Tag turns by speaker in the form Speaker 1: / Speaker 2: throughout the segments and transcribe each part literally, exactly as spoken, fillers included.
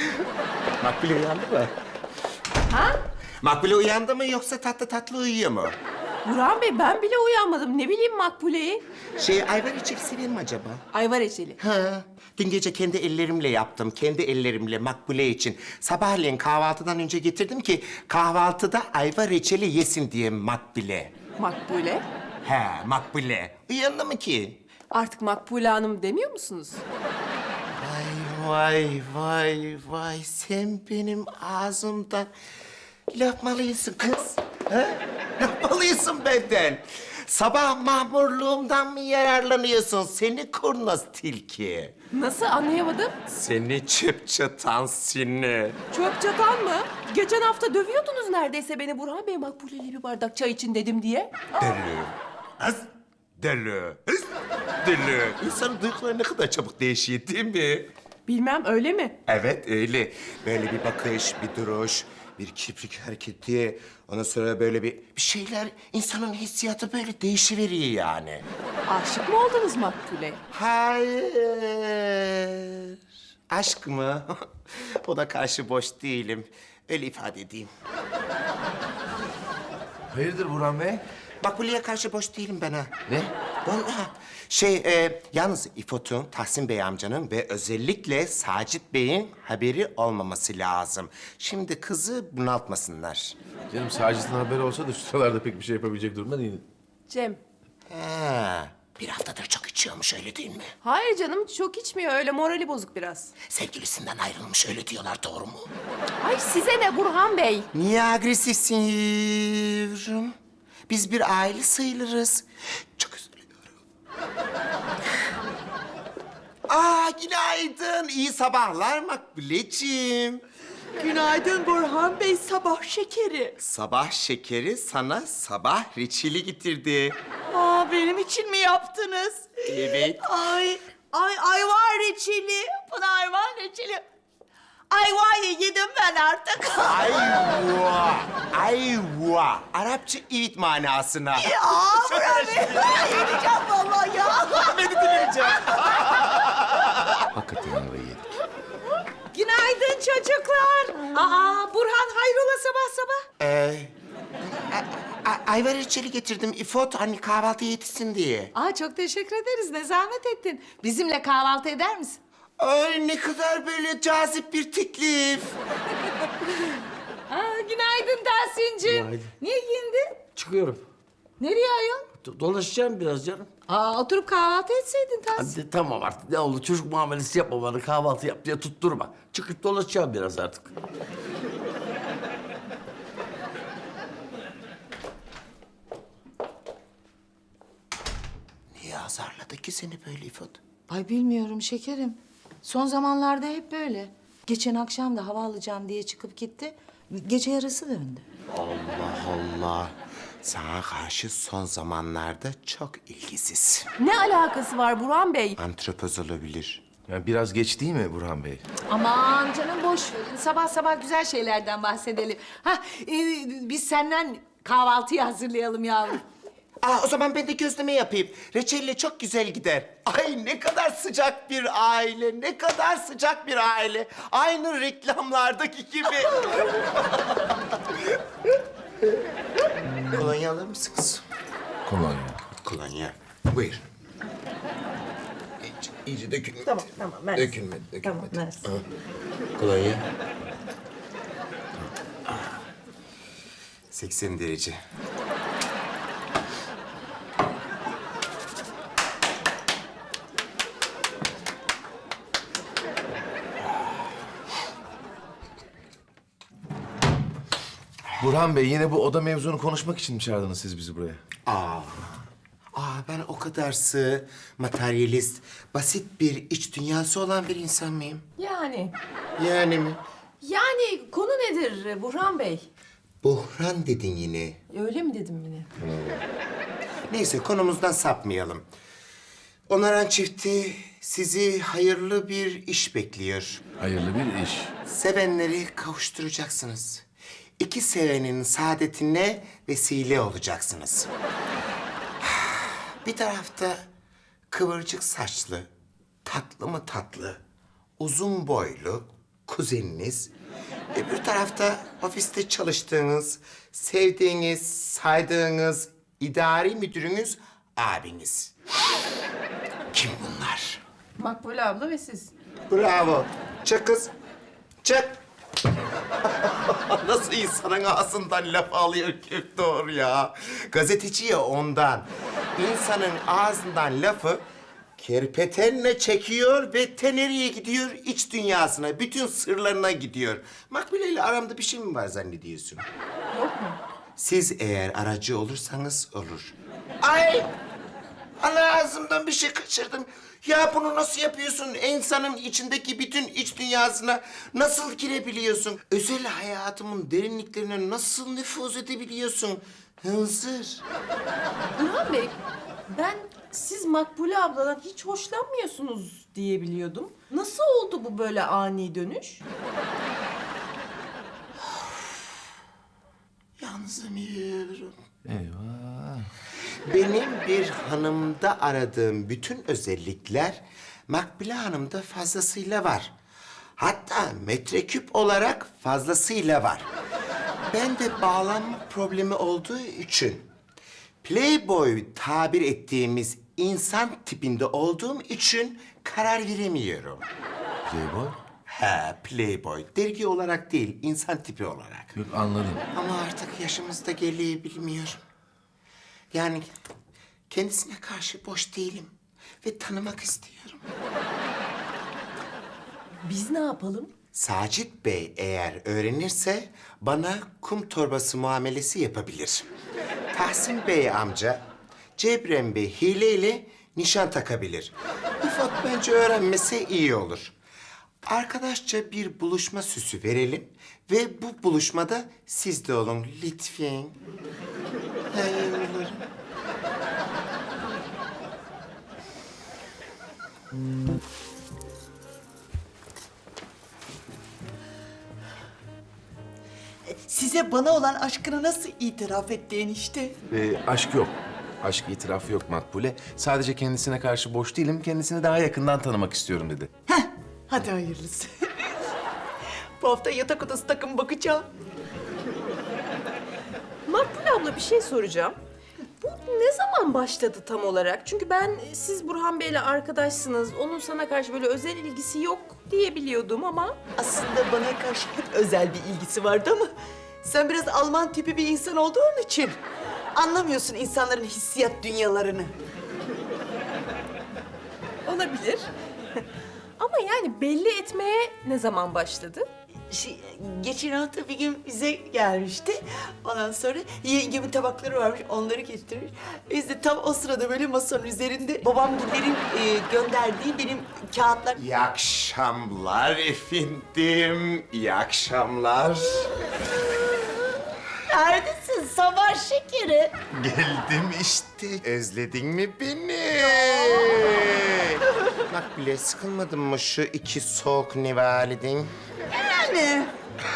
Speaker 1: Makbule uyandı mı?
Speaker 2: Ha?
Speaker 1: Makbule uyandı mı yoksa tatlı tatlı uyuyor mu?
Speaker 2: Burhan Bey ben bile uyanmadım. Ne bileyim Makbule'yi.
Speaker 1: Şey, ayvar içip sever mi acaba?
Speaker 2: Ayvar reçeli.
Speaker 1: Ha, dün gece kendi ellerimle yaptım. Kendi ellerimle Makbule için. Sabahleyin kahvaltıdan önce getirdim ki kahvaltıda ayva reçeli yesin diye Makbule.
Speaker 2: Makbule.
Speaker 1: He, Makbule. Uyandı mı ki?
Speaker 2: Artık Makbule Hanım demiyor musunuz?
Speaker 1: Vay vay vay vay, sen benim ağzımdan laf mı alıyorsun kız? Ha? Laf mı alıyorsun benden? Sabah mahmurluğumdan mı yararlanıyorsun seni kurnaz tilki?
Speaker 2: Nasıl anlayamadım?
Speaker 1: Seni çöp çatan seni.
Speaker 2: Çöp çatan mı? Geçen hafta dövüyordunuz neredeyse beni Burhan Bey Makbule'yle bir bardak çay için dedim diye.
Speaker 1: Deli. Az deli. Hız, deli. İnsanın duyguları ne kadar çabuk değişiyor değil mi?
Speaker 2: Bilmem öyle mi?
Speaker 1: Evet öyle. Böyle bir bakış, bir duruş, bir kibrik hareketi. Ondan sonra böyle bir, bir şeyler, insanın hissiyatı böyle değişiveriyor yani.
Speaker 2: Aşık mı oldunuz Makbule'ye?
Speaker 1: Hayır. Aşk mı? O da karşı boş değilim. Öyle ifade edeyim.
Speaker 3: Hayırdır Burhan Bey?
Speaker 1: Makbule'ye karşı boş değilim ben ha.
Speaker 3: Ne?
Speaker 1: Vallahi. Şey, e, yalnız İfot'un, Tahsin Bey amcanın ve özellikle Sacit Bey'in haberi olmaması lazım. Şimdi kızı bunaltmasınlar.
Speaker 3: Canım Sacit'in haberi olsa da şu sıralarda pek bir şey yapabilecek durumda değil.
Speaker 2: Cem.
Speaker 1: Ha, bir haftadır çok içiyormuş, öyle değil mi?
Speaker 2: Hayır canım çok içmiyor öyle morali bozuk biraz.
Speaker 1: Sevgilisinden ayrılmış, öyle diyorlar, doğru mu?
Speaker 2: Ay size ne Burhan Bey?
Speaker 1: Niye agresifsin yavrum? Biz bir aile sayılırız. Çok üzülüyorum. Aa, günaydın. İyi sabahlar Makbuleciğim.
Speaker 4: Günaydın Burhan Bey, sabah şekeri.
Speaker 1: Sabah şekeri sana sabah reçeli getirdi.
Speaker 4: Aa, benim için mi yaptınız?
Speaker 1: Evet.
Speaker 4: Ay, ay ayvar reçeli. Pınar var reçeli. Ayvayı yedim ben artık.
Speaker 1: Ayva. Ayva. Arapça ivit manasına.
Speaker 4: Ya Burhan Bey, yiyeceğim vallahi ya.
Speaker 1: Beni dinleyeceğim.
Speaker 3: Hakikaten ayvayı yedik.
Speaker 4: Günaydın çocuklar. Aa, Burhan hayrola sabah sabah?
Speaker 1: Ee, a- a- ayva reçeli getirdim İfot, hani kahvaltı yetişsin diye.
Speaker 4: Aa, çok teşekkür ederiz. Ne zahmet ettin. Bizimle kahvaltı eder misin?
Speaker 1: Ay, ne kadar böyle cazip bir teklif.
Speaker 4: Aa, günaydın Tahsin'cim.
Speaker 5: Günaydın.
Speaker 4: Niye giyindin?
Speaker 5: Çıkıyorum.
Speaker 4: Nereye ayol?
Speaker 5: Do- Dolaşacağım biraz canım.
Speaker 4: Aa, oturup kahvaltı etseydin Tahsin.
Speaker 5: Hadi tamam artık ne oldu çocuk muamelesi yapma bana kahvaltı yap diye tutturma. Çıkıp dolaşacağım biraz artık.
Speaker 1: Niye azarladı ki seni böyle İfot?
Speaker 6: Ay bilmiyorum şekerim. Son zamanlarda hep böyle. Geçen akşam da hava alacağım diye çıkıp gitti. Gece yarısı döndü.
Speaker 1: Allah Allah. Sana karşı son zamanlarda çok ilgisiz.
Speaker 2: Ne alakası var Burhan Bey?
Speaker 1: Antropoz olabilir.
Speaker 3: Yani biraz geç değil mi Burhan Bey?
Speaker 6: Aman canım boş verin. Sabah sabah güzel şeylerden bahsedelim. Ha, e, biz senden kahvaltıyı hazırlayalım yavrum.
Speaker 1: Aa, o zaman ben de gözleme yapayım. Reçelle çok güzel gider. Ay, ne kadar sıcak bir aile, ne kadar sıcak bir aile. Aynı reklamlardaki gibi. Kolonya alır mısınız?
Speaker 3: Kolonya.
Speaker 1: Kolonya. Buyur. İyice, iyice dökülmedi. Tamam, tamam. Mersi. Dökülmedi, dökülmedi.
Speaker 4: Tamam, mersi.
Speaker 1: Ha. Kolonya. seksen derece.
Speaker 3: Burhan Bey yine bu oda mevzunu konuşmak için mi çağırdınız siz bizi buraya?
Speaker 1: Aa, aa ben o kadar sığ, materyalist, basit bir iç dünyası olan bir insan mıyım?
Speaker 2: Yani.
Speaker 1: Yani mi?
Speaker 2: Yani konu nedir Burhan Bey?
Speaker 1: Buhran dedin yine.
Speaker 2: Öyle mi dedim yine?
Speaker 1: Neyse, konumuzdan sapmayalım. Onaran çifti sizi hayırlı bir iş bekliyor.
Speaker 3: Hayırlı bir iş.
Speaker 1: Sevenleri kavuşturacaksınız. İki sevenin saadetine vesile olacaksınız. Bir tarafta kıvırcık saçlı, tatlı mı tatlı, uzun boylu, kuzeniniz. Öbür tarafta ofiste çalıştığınız, sevdiğiniz, saydığınız idari müdürünüz abiniz. Kim bunlar?
Speaker 2: Makbule abla ve siz.
Speaker 1: Bravo. Çık kız. Çık. Nasıl insanın ağzından laf alıyor Köftor ya. Gazeteci ya ondan. İnsanın ağzından lafı kerpetenle çekiyor ve te nereye gidiyor? İç dünyasına, bütün sırlarına gidiyor. Makbule ile aramda bir şey mi var zannediyorsun?
Speaker 2: Yok mu?
Speaker 1: Siz eğer aracı olursanız olur. Ay! Ana ağzımdan bir şey kaçırdım. Ya bunu nasıl yapıyorsun? İnsanın içindeki bütün iç dünyasına nasıl girebiliyorsun? Özel hayatımın derinliklerine nasıl nüfuz edebiliyorsun? Hınzır.
Speaker 2: Burhan Bey, ben siz Makbule abladan hiç hoşlanmıyorsunuz diye biliyordum. Nasıl oldu bu böyle ani dönüş?
Speaker 1: Yanılmıyorum.
Speaker 3: Eyvah.
Speaker 1: Benim bir hanımda aradığım bütün özellikler Makbule Hanım'da fazlasıyla var. Hatta metreküp olarak fazlasıyla var. Ben de bağlanma problemi olduğu için playboy tabir ettiğimiz insan tipinde olduğum için karar veremiyorum.
Speaker 3: Playboy?
Speaker 1: Ha, playboy. Dergi olarak değil, insan tipi olarak.
Speaker 3: Yok anladım.
Speaker 1: Ama artık yaşımız da geriye bilmiyorum. Yani kendisine karşı boş değilim ve tanımak istiyorum.
Speaker 2: Biz ne yapalım?
Speaker 1: Sacit Bey eğer öğrenirse bana kum torbası muamelesi yapabilir. Tahsin Bey amca, Cebrem Bey hileyle nişan takabilir. İfot bence öğrenmese iyi olur. Arkadaşça bir buluşma süsü verelim ve bu buluşmada siz de olun lütfen. Hayırlı.
Speaker 4: Size bana olan aşkını nasıl itiraf etti enişte?
Speaker 3: Ee, aşk yok. Aşk itirafı yok Makbule. Sadece kendisine karşı boş değilim, kendisini daha yakından tanımak istiyorum dedi.
Speaker 4: Heh, hadi hayırlısı. Bu hafta yatak odası takım bakacağım.
Speaker 2: Makbule abla bir şey soracağım. Bu ne zaman başladı tam olarak? Çünkü ben siz Burhan Bey'le arkadaşsınız, onun sana karşı böyle özel ilgisi yok diye biliyordum ama...
Speaker 4: Aslında bana karşı hep özel bir ilgisi vardı ama... sen biraz Alman tipi bir insan olduğun için... anlamıyorsun insanların hissiyat dünyalarını.
Speaker 2: Olabilir. Ama yani belli etmeye ne zaman başladı?
Speaker 4: Şey, geçen hafta bir gün bize gelmişti. Ondan sonra yengemin tabakları varmış, onları getirmiş. Biz de tam o sırada böyle masanın üzerinde babamgillerin e, gönderdiği benim kağıtlar...
Speaker 1: İyi akşamlar efendim. İyi akşamlar.
Speaker 4: Neredesin sabah şekeri?
Speaker 1: Geldim işte. Özledin mi beni? Bak bile sıkılmadın mı şu iki soğuk nevalidin?
Speaker 4: Yani.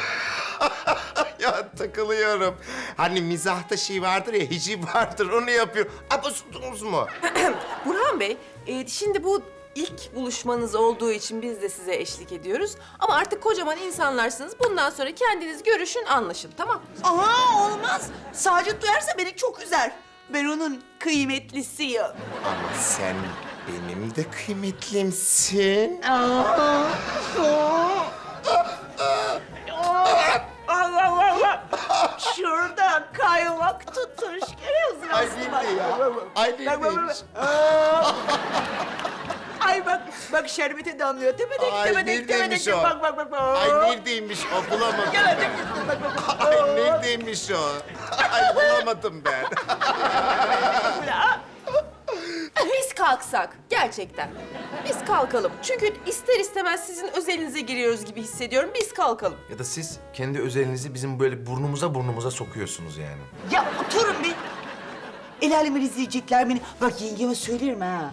Speaker 1: Ya takılıyorum. Hani mizahta şey vardır ya, hiciv vardır, onu yapıyor. Abasudunuz mu?
Speaker 2: Burhan Bey, e, şimdi bu ilk buluşmanız olduğu için biz de size eşlik ediyoruz. Ama artık kocaman insanlarsınız. Bundan sonra kendiniz görüşün, anlaşın, tamam?
Speaker 4: Aha olmaz. Sacit duyarsa beni çok üzer. Ben onun kıymetlisiyim.
Speaker 1: Ama sen benim de kıymetlimsin.
Speaker 4: Allah Allah. Şurada kaymak tutmuş. Görüyorsun
Speaker 1: Ay
Speaker 4: aslında.
Speaker 1: ne ya? Ay ne
Speaker 4: Bak, bak,
Speaker 1: neymiş?
Speaker 4: bak. Ay bak, bak şerbeti damlıyor. Tepedek,
Speaker 1: Ay
Speaker 4: tepedek,
Speaker 1: neredeymiş
Speaker 4: tepedek.
Speaker 1: o?
Speaker 4: Bak, bak, bak, bak.
Speaker 1: Ay neredeymiş o, bulamadım.
Speaker 4: Gördün mü? Bak, bak, bak.
Speaker 1: Ay neredeymiş o? Ay bulamadım ben.
Speaker 2: Biz kalksak, gerçekten. Biz kalkalım. Çünkü ister istemez sizin özelinize giriyoruz gibi hissediyorum. Biz kalkalım.
Speaker 3: Ya da siz kendi özelinizi bizim böyle burnumuza burnumuza sokuyorsunuz yani.
Speaker 4: Ya oturun bir. El alemin izleyecekler beni. Bak yengeme söylerim ha.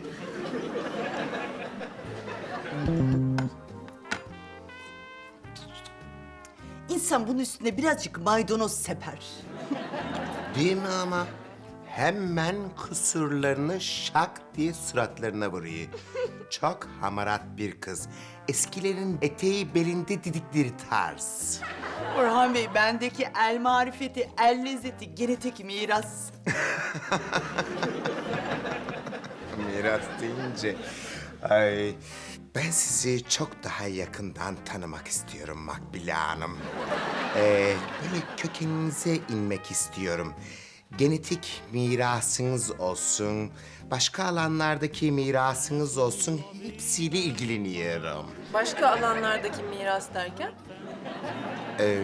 Speaker 4: İnsan bunun üstüne birazcık maydanoz seper.
Speaker 1: Değil mi ama? Hemen kusurlarını şak diye suratlarına vuruyor. çok hamarat bir kız. Eskilerin eteği belinde didikleri tarz.
Speaker 4: Orhan Bey, bendeki el marifeti, el lezzeti, genetik miras.
Speaker 1: Miras deyince... Ay, ben sizi çok daha yakından tanımak istiyorum Makbule Hanım. Ee, böyle kökeninize inmek istiyorum. Genetik mirasınız olsun, başka alanlardaki mirasınız olsun, hepsiyle ilgileniyorum.
Speaker 2: Başka alanlardaki miras derken?
Speaker 1: Ee,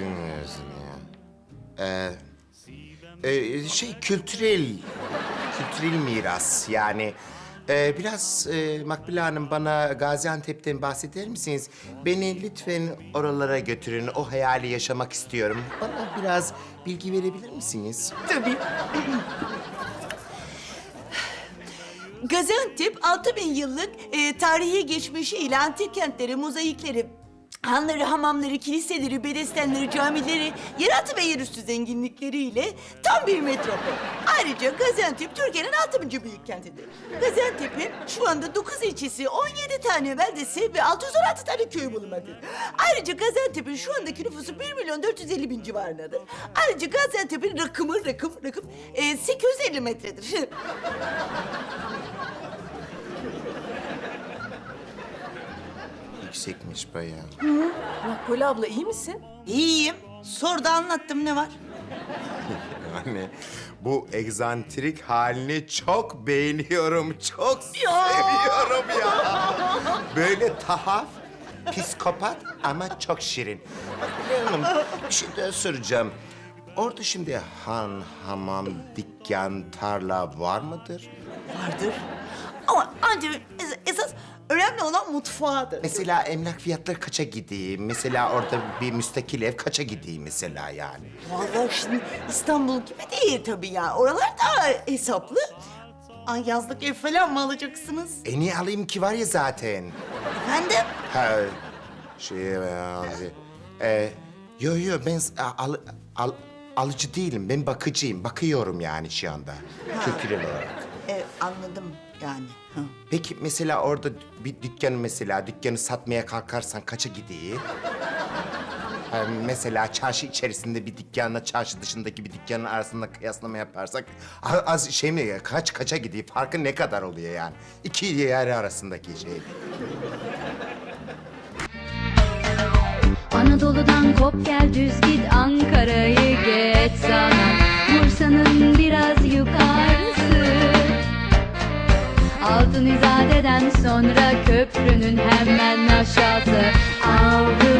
Speaker 1: ya. Ee, e, şey kültürel, kültürel miras yani. Ee, biraz e, Makbule Hanım bana Gaziantep'ten bahseder misiniz? Beni lütfen oralara götürün. O hayali yaşamak istiyorum. Bana biraz bilgi verebilir misiniz?
Speaker 4: Tabii. Gaziantep altı bin yıllık e, tarihi geçmişiyle antik kentleri, mozaikleri, hanları, hamamları, kiliseleri, bedestenleri, camileri, yeraltı ve yerüstü zenginlikleriyle tam bir metropol. Ayrıca Gaziantep Türkiye'nin altıncı büyük kentidir. Gaziantep'in şu anda dokuz ilçesi, on yedi tane beldesi ve altı yüz on altı tane köyü bulunmaktadır. Ayrıca Gaziantep'in şu andaki nüfusu bir milyon dört yüz elli bin civarındadır. Ayrıca Gaziantep'in rakımı, rakım, rakım e, sekiz yüz elli metredir.
Speaker 1: Yüksekmiş bayağı.
Speaker 2: Makbule abla iyi misin?
Speaker 4: İyiyim. Sor da anlattım, ne var?
Speaker 1: Yani bu egzantrik halini çok beğeniyorum. Çok seviyorum ya. Böyle tahaf, psikopat ama çok şirin. Makbule Hanım, bir şey daha soracağım. Orada şimdi han, hamam, dükkan, tarla var mıdır?
Speaker 4: Vardır. Ama ancak es- esas önemli olan mutfağıdır.
Speaker 1: Mesela emlak fiyatları kaça gidiyor? Mesela orada bir müstakil ev kaça gidiyor mesela yani?
Speaker 4: Vallahi şimdi İstanbul gibi değil tabii ya. Oralar daha hesaplı. Ay, yazlık ev falan mı alacaksınız?
Speaker 1: E niye alayım ki var ya zaten?
Speaker 4: Efendim?
Speaker 1: Ha, şey abi. Ee, yo yo ben s- al, al, alıcı değilim. Ben bakıcıyım. Bakıyorum yani şu anda. Kültürel olarak.
Speaker 4: E, anladım yani. Hı.
Speaker 1: Peki mesela orada bir dükkanı mesela dükkanı satmaya kalkarsan kaça gidiyor? Ha, mesela çarşı içerisinde bir dükkanla çarşı dışındaki bir dükkanın arasında kıyaslama yaparsak a- az şey mi kaç kaça gidiyor? Farkı ne kadar oluyor yani? İki yer arasındaki şey.
Speaker 7: Anadolu'dan kop gel düz git Ankara'yı geç sana Bursa'nın biraz yukarısı Altın İzade'den sonra köprünün hemen aşağısı Avrupa